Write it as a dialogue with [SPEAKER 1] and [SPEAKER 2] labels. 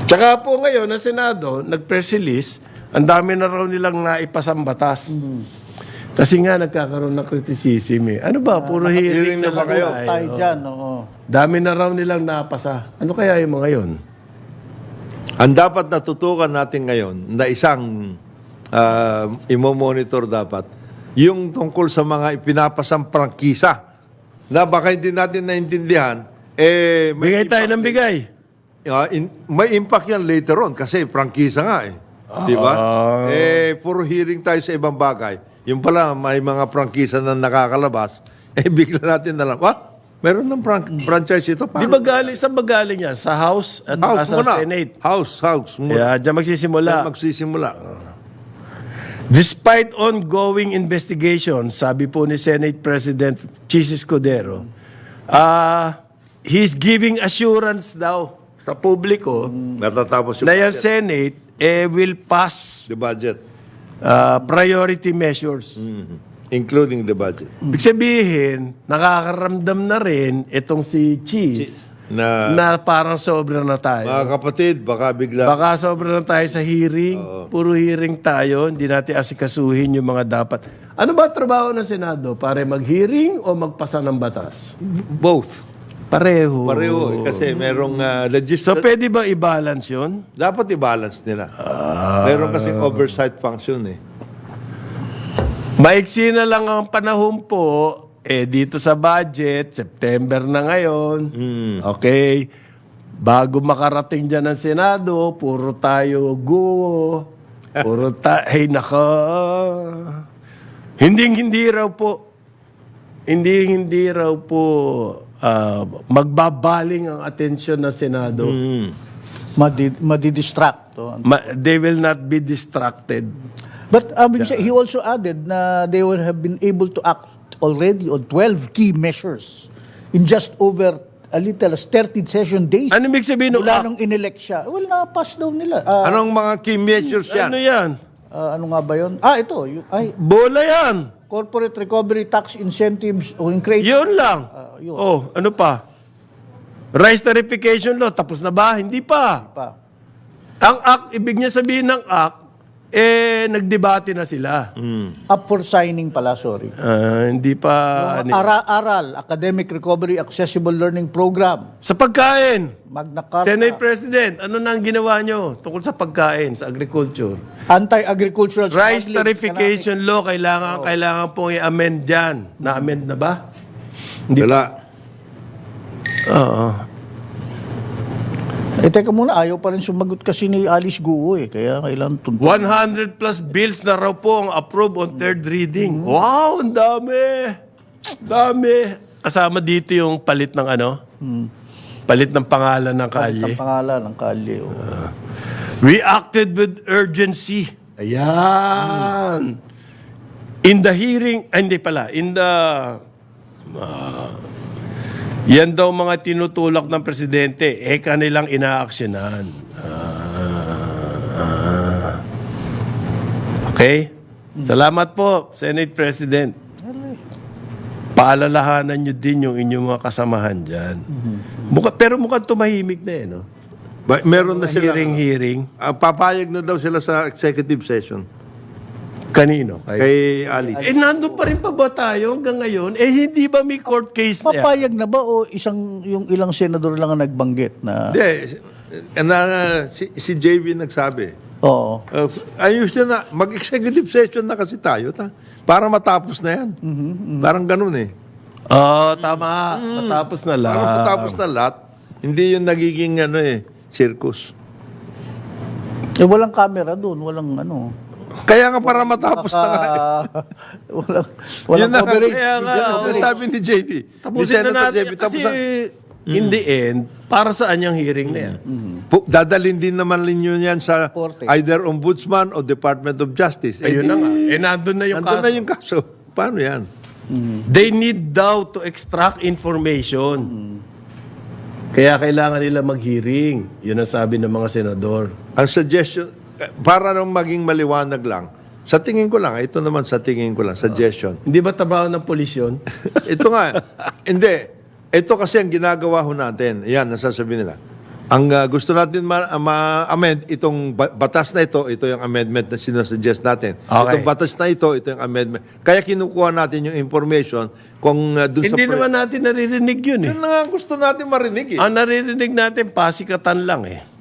[SPEAKER 1] Tsaka po ngayon, ang Senado, nag-press release, ang dami na raw nilang naipasang batas. Kasi nga, nagkakaroon ng criticism eh. Ano ba? Puro hearing na
[SPEAKER 2] ba
[SPEAKER 1] lang
[SPEAKER 2] kayo?
[SPEAKER 1] ay,
[SPEAKER 3] Tayo dyan, oo.
[SPEAKER 1] Dami na raw nilang napasa. Ano kaya yung mga yun?
[SPEAKER 2] Ang dapat natutukan natin ngayon na isang imo-monitor dapat, yung tungkol sa mga ipinapasang prangkisa na baka hindi natin naintindihan,
[SPEAKER 1] Bigay tayo ng bigay.
[SPEAKER 2] May impact yan later on kasi prangkisa nga eh. Di ba? Puro hearing tayo sa ibang bagay. Yung pala, may mga prangkisa na nakakalabas, bigla natin na lang, meron ng franchise ito.
[SPEAKER 1] Di ba galing, saan ba galing yan? Sa House at sa
[SPEAKER 2] muna.
[SPEAKER 1] Senate?
[SPEAKER 2] House muna.
[SPEAKER 1] Yeah, dyan magsisimula.
[SPEAKER 2] Yan magsisimula.
[SPEAKER 1] Despite ongoing investigation, sabi po ni Senate President Chis Escudero, he's giving assurance daw sa publiko
[SPEAKER 2] Natatapos yung
[SPEAKER 1] na yung
[SPEAKER 2] budget.
[SPEAKER 1] Senate will pass
[SPEAKER 2] The budget.
[SPEAKER 1] priority measures.
[SPEAKER 2] Including the budget.
[SPEAKER 1] Ibig sabihin, nakakaramdam na rin itong si Chis na parang sobra na tayo.
[SPEAKER 2] Mga kapatid, baka bigla.
[SPEAKER 1] Baka sobra na tayo sa hearing. Puro hearing tayo. Hindi natin asikasuhin yung mga dapat. Ano ba trabaho ng Senado? Pare mag-hearing o magpasa ng batas?
[SPEAKER 2] Both.
[SPEAKER 1] Pareho.
[SPEAKER 2] Pareho. Kasi merong
[SPEAKER 1] So, pwede ba i-balance yun?
[SPEAKER 2] dapat i-balance nila. Meron kasing oversight function eh.
[SPEAKER 1] Maiksi na lang ang panahon po. Dito sa budget, September na ngayon. Okay. Bago makarating dyan ng Senado, puro tayo guo. Puro tayo, hey naka. Hindi raw po. Hindi raw po magbabaling ang atensyon ng Senado.
[SPEAKER 3] Madidistract.
[SPEAKER 1] They will not be distracted.
[SPEAKER 3] But he also added na they will have been able to act already on 12 key measures in just over a little as 13 session days.
[SPEAKER 1] Ano ibig sabihin ng
[SPEAKER 3] Mula
[SPEAKER 1] act?
[SPEAKER 3] nung inelect siya. Well, na-pass daw nila.
[SPEAKER 2] Anong mga key measures yan?
[SPEAKER 1] Ano yan?
[SPEAKER 3] Ano nga ba yun? Ito.
[SPEAKER 1] Bola yan.
[SPEAKER 3] Corporate Recovery Tax Incentives o increase.
[SPEAKER 1] Yun lang.
[SPEAKER 3] Yun.
[SPEAKER 1] Oh, ano pa? Rice Tarification Law, tapos na ba? Hindi pa. Ang act, ibig niya sabihin ng act, nagdebate na sila.
[SPEAKER 3] Up for signing pala, sorry.
[SPEAKER 1] Hindi pa.
[SPEAKER 3] Aral, Academic Recovery Accessible Learning Program.
[SPEAKER 1] Sa pagkain,
[SPEAKER 3] Magna Carta.
[SPEAKER 1] Senate President, ano na ang ginawa nyo tungkol sa pagkain, sa agriculture?
[SPEAKER 3] Anti-agricultural
[SPEAKER 1] Rice
[SPEAKER 3] smuggling,
[SPEAKER 1] Tarification Law, kailangan pong i-amend dyan. Na-amend na ba?
[SPEAKER 2] Wala.
[SPEAKER 1] Oo.
[SPEAKER 3] Teka muna, ayaw pa rin sumagot kasi ni Alice Guo kaya kailangan
[SPEAKER 1] 100 plus bills na raw po ang approve on third reading. Wow, ang dami! Dami! Kasama dito yung palit ng ano? Palit ng pangalan ng kalye.
[SPEAKER 3] ang pangalan ng kalye.
[SPEAKER 1] We acted with urgency. Ayan. In the hearing, hindi pala, in the... yan daw mga tinutulak ng presidente, kanilang inaaksyonan. Okay? Salamat po, Senate President. Paalalahanan nyo din yung inyong mga kasamahan dyan. Pero mukhang tumahimik na no?
[SPEAKER 2] Meron na sila.
[SPEAKER 1] Hearing.
[SPEAKER 2] Papayag na daw sila sa executive session.
[SPEAKER 1] Kanino?
[SPEAKER 2] Kay Ali.
[SPEAKER 1] Nandun pa rin pa ba tayo hanggang ngayon? Hindi ba may court case na yan?
[SPEAKER 3] Papayag na ba o yung ilang senador lang ang nagbanggit na...
[SPEAKER 2] Hindi. Si JV nagsabi.
[SPEAKER 3] Oo.
[SPEAKER 2] Ayusin na. Mag-executive session na kasi tayo. Para matapos na yan. Parang ganun eh.
[SPEAKER 1] Tama. Matapos na lang.
[SPEAKER 2] Parang matapos na lahat. Hindi yung nagiging circus.
[SPEAKER 3] Walang camera doon, walang ano.
[SPEAKER 2] Kaya nga para matapos na nga.
[SPEAKER 3] Walang coverage.
[SPEAKER 1] Kaya nga,
[SPEAKER 2] Yan ang sabi ni JB.
[SPEAKER 1] Tapusin na natin. Kasi in the end, para saan yung hearing na yan?
[SPEAKER 2] Dadalhin din naman ninyo yan sa
[SPEAKER 3] Korte.
[SPEAKER 2] either Ombudsman o Department of Justice.
[SPEAKER 1] Ayun na nga. Nandun na yung
[SPEAKER 2] Nandun
[SPEAKER 1] kaso.
[SPEAKER 2] na yung kaso. Paano yan?
[SPEAKER 1] They need daw to extract information. Kaya kailangan nila mag-hearing. Yun ang sabi ng mga senador.
[SPEAKER 2] Ang suggestion, para nang maging maliwanag lang, sa tingin ko lang, ito naman sa tingin ko lang, suggestion.
[SPEAKER 1] Hindi ba trabaho ng polisyon?
[SPEAKER 2] Ito nga, hindi. Ito kasi ang ginagawa ho natin. Yan, nasasabi nila. Ang gusto natin ma-amend itong batas na ito yung amendment na sinasuggest natin.
[SPEAKER 1] Okay.
[SPEAKER 2] Itong batas na ito yung amendment. Kaya kinukuha natin yung information kung dun sa...
[SPEAKER 1] Hindi naman natin naririnig yun eh.
[SPEAKER 2] Yun na nga ang gusto natin marinig eh.
[SPEAKER 1] Ang naririnig natin, pasikatan lang eh.